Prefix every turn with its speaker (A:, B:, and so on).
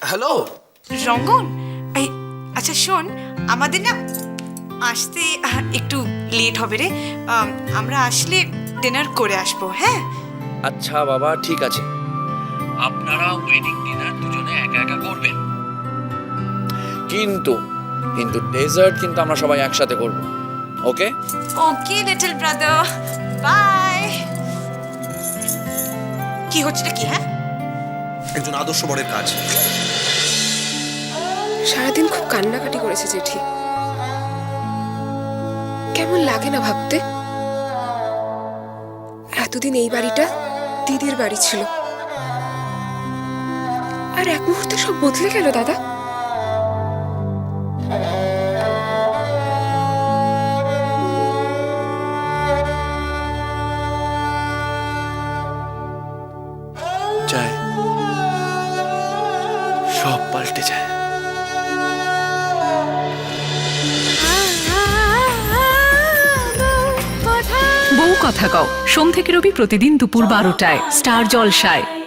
A: Hello
B: রঙ্গন, এই আচ্ছা শোন, আমাদের না আসতে একটু লেট হবে রে। আমরা আসলে ডিনার করে আসবো, হ্যাঁ?
A: আচ্ছা বাবা, ঠিক আছে। আপনারা ওয়েডিং ডিনার দুজনে একা একা করবেন, কিন্তু কিন্তু ডেজার্ট কিন্তু আমরা সবাই একসাথে করব। Okay
B: okay little brother, bye. কি হচ্ছে কি? হ্যাঁ,
C: একজন আদর্শ বরের কাজ।
D: সারাদিন খুব কান্নাকাটি করেছে জেঠি। কেমন লাগে না ভাবতে, এতদিন এই বাড়িটা দিদির বাড়ি ছিল, আর এক মুহূর্তে সব বদলে গেল দাদা।
A: যায়, সব পাল্টে যায়।
E: বউ কথা কও, সোম থেকে রবি প্রতিদিন দুপুর 12টায় স্টার জলসায়।